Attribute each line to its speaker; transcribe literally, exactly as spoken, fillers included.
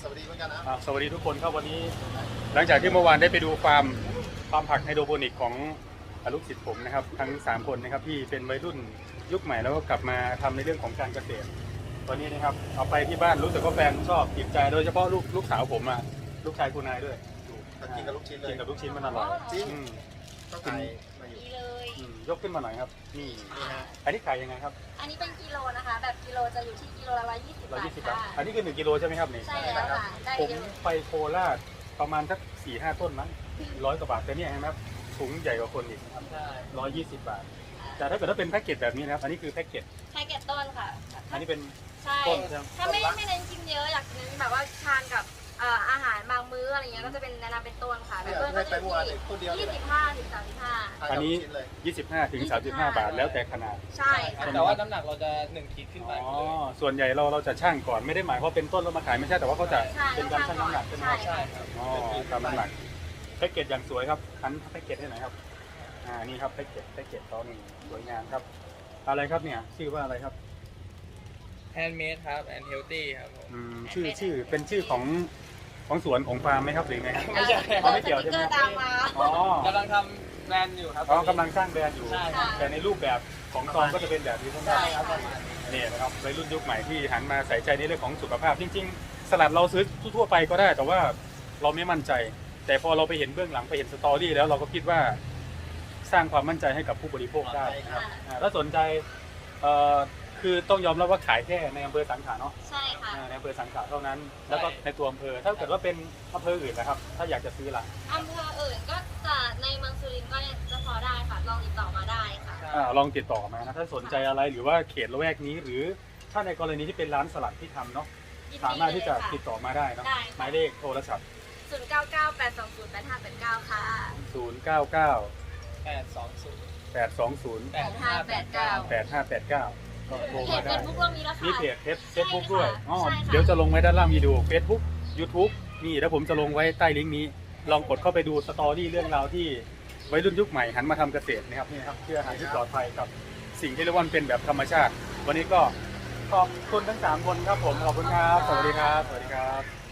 Speaker 1: สวัสดีเหมือนกันนะ
Speaker 2: สวัสดีทุกคนครับวันนี้หลังจากที่เมื่อวานได้ไปดูฟาร์มฟาร์มผักไฮโดรโปนิกของลูกศิษย์ผมนะครับทั้งสามคนนะครับที่เป็นวัยรุ่นยุคใหม่แล้วก็กลับมาทำในเรื่องของการเกษตรตอนนี้นะครับเอาไปที่บ้านรู้สึกว่าแฟนชอบติดใจโดยเฉพาะลูกลูกสาวผมอ่ะลูกชายคุณนายด้วย
Speaker 1: กินกับลูกชิ้นเลย
Speaker 2: กินกับลูกชิ้นมันอร่อย
Speaker 1: จริงต้องขายมาอยู่
Speaker 2: ยกขึ้นมาหน่อยครับนี่อันนี้ขายยังไงครับ
Speaker 3: อันนี้เป็นกิโลนะคะแบบกิโลจะอยู่ที่กิโลละร้อยยี่สิบบาทค่ะ
Speaker 2: อันนี้คือหนึ่งกิโลใช่ไหมครับนี่
Speaker 3: ใช่แล้วค่ะได้
Speaker 2: ผมไปโคราชประมาณสักสี่ห้าต้นมั้งร้อยกว่าบาทแต่เนี่ยเห็นไหมครับถุงใหญ่กว่าคนอีกร้อยยี่สิบบาทแต่ถ้าเกิดถ้าเป็นแพ็กเกจแบบนี้นะครับอันนี้คือแพ็กเกจ
Speaker 3: แพ็กเกจต้นค่ะ
Speaker 2: อันนี้เป็น
Speaker 3: ต้นถ้าไม่ไม่เน้นกินเยอะอยากเน้นแบบว่าทานกับอาหารบางมื้ออะไรเงี้ยก็จะเป็นแนะนำเป็นต้นค่ะแบบต้นก็จะที่ยี่สิบห้าถึงสามสิบห้า
Speaker 2: อันนี้ยี่สิบห้าถึงสามสิบห้าบาทแล้วแต่ขนาด
Speaker 3: ใช่
Speaker 4: แต่ว่าน้ำหนักเราจะหนึ่งขีดขึ้นไป
Speaker 2: อ๋อส่วนใหญ่เราเราจะชั่งก่อนไม่ได้หมายว่าเป็นต้นแล้วมาขายไม่ใช่แต่ว่าเขาจะเป็นการชั่งน้ำหนักใช่ไหม
Speaker 3: ใช่
Speaker 2: ครับอ๋อตามน้ำหนักแพ็กเกจอย่างสวยครับทันแพ็กเกจให้หน่อยครับอ่านี่ครับแพ็กเกจแพ็กเกจตอนนี้สวยงามครับอะไรครับเนี่ยชื่อว่าอะไรครับ
Speaker 4: แฮนด์เมดครับแอนด์เฮลตี้ครับผม
Speaker 2: ชื่อชื่อเป็นชื่อของของสวนของฟาร์มไหมครับหรือไงครับ
Speaker 4: ไม่ใช่
Speaker 2: ไม่เกี่ยวใช่ไหม
Speaker 4: อ๋อกำลังทำแบรนด์อยู่ครับ
Speaker 2: อ๋อกำลังสร้างแบรนด์อยู่แต่ในรูปแบบของซองก็จะเป็นแบบนี้ทั้งนั้นนี่นะครับวัยรุ่นยุคใหม่ที่หันมาใส่ใจในเรื่องของสุขภาพจริงๆสลัดเราซื้อทั่วไปก็ได้แต่ว่าเราไม่มั่นใจแต่พอเราไปเห็นเบื้องหลังไปเห็นสตอรี่แล้วเราก็คิดว่าสร้างความมั่นใจให้กับผู้บริโภคได้ถ้าสนใจคือต้องยอมรับว่าขายแค่ในอำเภอสังขะเนาะ
Speaker 3: ใช่ค่ะ
Speaker 2: ในอำเภอสังขะเท่านั้นแล้วก็ในตัวอำเภอถ้าเกิดว่าเป็นอำเภออื่นนะครับถ้าอยากจะซื้อละ
Speaker 3: อำเภออื่นก็จะในเมืองสุรินทร์ก็จะพอได้ค่ะลองติดต่อมาได้ค่ะ
Speaker 2: ลองติดต่อมานะถ้าสนใจอะไรหรือว่าเขตละแวกนี้หรือถ้าในกรณีที่เป็นร้านสลัดที่ทำเนาะสามารถที่จะติดต่อมาได้เนาะหมายเลขโทรศัพท์
Speaker 3: ศูนย์ เก้า เก้า แปด สอง ศูนย์ แปด ห้า แปด เก้าค่ะ
Speaker 2: ศูนย์ เก้า เก้า
Speaker 4: แปด สอง ศูนย์
Speaker 2: แปด สอง ศูนย์
Speaker 3: แปด ห้า แปด เก้า
Speaker 2: แปด ห้า แปด เก้าก็โทรมาได้มีเพจเฟซบุ๊กด้วยอ๋อเดี๋ยวจะลงไว้ด้านล่างวิดีโอ Facebook YouTube นี่แล้วผมจะลงไว้ใต้ลิงก์นี้ลองกดเข้าไปดูสตอรี่เรื่องราวที่วัยรุ่นยุคใหม่หันมาทำเกษตรนะครับนี่ครับเพื่ออาหารที่ปลอดภัยกับสิ่งที่เรียกว่าเป็นแบบธรรมชาติวันนี้ก็ขอบคุณทั้งสามคนครับผมขอบคุณครับสวัสดีครับสวัสดีครับ